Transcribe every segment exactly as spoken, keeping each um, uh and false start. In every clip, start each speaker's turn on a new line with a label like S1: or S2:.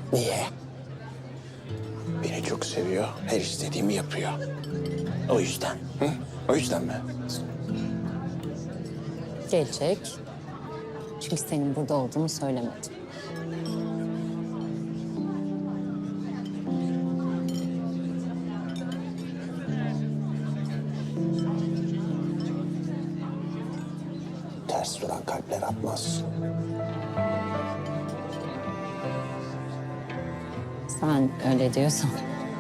S1: Niye? Beni çok seviyor, her istediğimi yapıyor. O yüzden. Hı? O yüzden mi?
S2: Gelecek. Çünkü senin burada olduğunu söylemedim.
S1: Ters duran kalpler atmaz.
S2: Sen öyle diyorsan.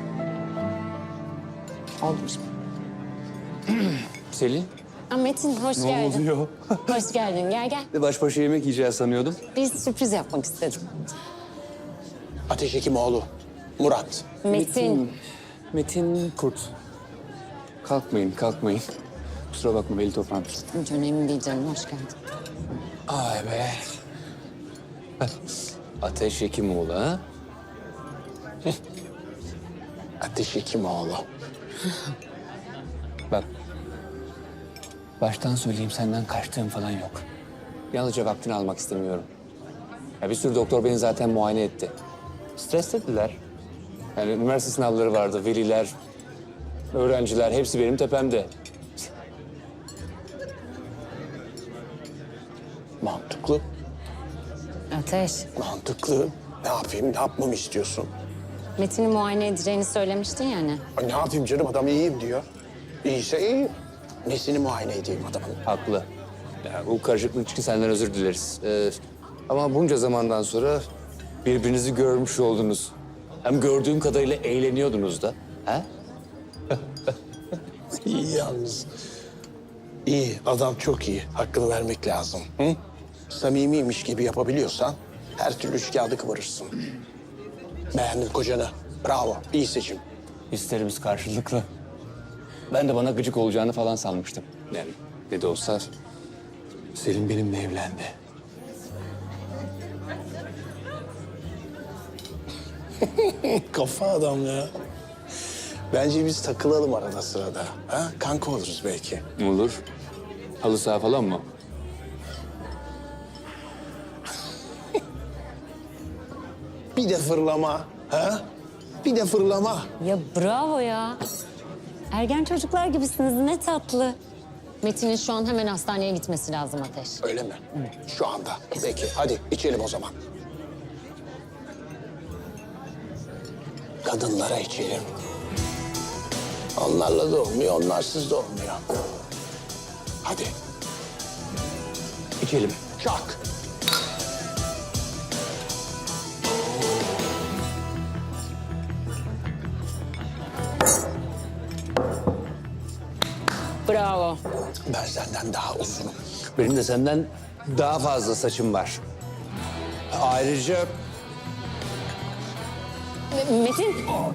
S2: Oldu şimdi.
S3: Selin,
S2: Aa, Metin hoş
S3: ne
S2: geldin.
S3: oluyor?
S2: Hoş geldin. Gel gel.
S3: Baş başa yemek yiyeceğiz sanıyordum.
S2: Bir sürpriz yapmak istedim.
S1: Ateş Hekimoğlu, Murat.
S2: Metin.
S3: Metin Kurt. Kalkmayın, kalkmayın. Kusura bakma, beli toplantısı.
S2: Hiç önemli değil canım. Hoş geldin.
S3: Ay be. Ateş Hekimoğlu ha?
S1: Ateş Hekimoğlu.
S3: Bak. Baştan söyleyeyim, senden kaçtığım falan yok. Yalnızca vaktini almak istemiyorum. Ya bir sürü doktor beni zaten muayene etti. Streslediler. Yani üniversite sınavları vardı, veliler, öğrenciler hepsi benim tepemde.
S1: Mantıklı,
S2: Ateş.
S1: mantıklı. Ne yapayım, ne yapmamı istiyorsun?
S2: Metin'i muayene edeceğini söylemiştin ya hani.
S1: Ay, ne yapayım canım, adam iyiyim diyor. İyiyse iyi. Nesini muayene edeyim adamın?
S3: Haklı. Ya, bu karışıklık için senden özür dileriz. Ee, ama bunca zamandan sonra birbirinizi görmüş oldunuz. Hem gördüğüm kadarıyla eğleniyordunuz da. Ha?
S1: İyi yalnız. İyi, adam çok iyi. Hakkını vermek lazım. Hı? Samimiymiş gibi yapabiliyorsan her türlü üç kağıdı kıvırırsın. Beğendin kocanı. Bravo, iyi seçim.
S3: Hislerimiz karşılıklı. Ben de bana gıcık olacağını falan sanmıştım. Yani ne de olsa Selin benimle evlendi.
S1: Kafa adam ya. Bence biz takılalım arada sırada. Ha? Kanka oluruz belki.
S3: Olur. Halı saha falan mı?
S1: Bir de fırlama. Ha? Bir de fırlama.
S2: Ya bravo ya. Ergen çocuklar gibisiniz. Ne tatlı. Metin'in şu an hemen hastaneye gitmesi lazım Ateş.
S1: Öyle mi? Şu anda. Peki, hadi içelim o zaman. Kadınlara içelim. Onlarla da olmuyor, onlarsız da olmuyor. Hadi.
S3: İçelim.
S1: Çak.
S2: Bravo.
S1: Ben senden daha uzunum.
S3: Benim de senden daha fazla saçım var. Ayrıca
S2: Metin.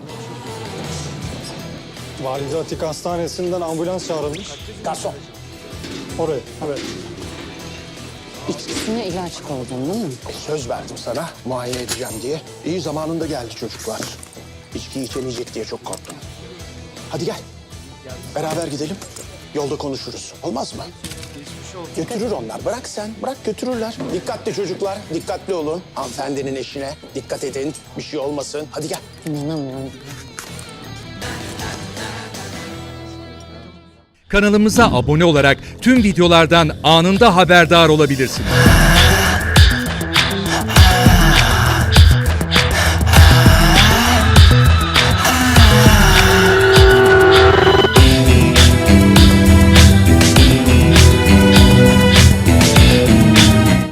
S4: Valide Atik Hastanesi'nden ambulans çağrılmış.
S1: Garson,
S4: Oraya, evet.
S2: İçkisine ilaç koydun değil mi?
S1: söz verdim sana muayene edeceğim diye. İyi zamanında geldi çocuklar. İçki içemeyecek diye çok korktum. Hadi gel. Beraber gidelim. Yolda konuşuruz. Olmaz mı? Götürür onlar. Bırak sen. Bırak götürürler. Dikkatli çocuklar. Dikkatli olun. Hanımefendinin eşine dikkat edin. Bir şey olmasın. Hadi gel.
S2: İnanamıyorum.
S5: Kanalımıza abone olarak tüm videolardan anında haberdar olabilirsiniz.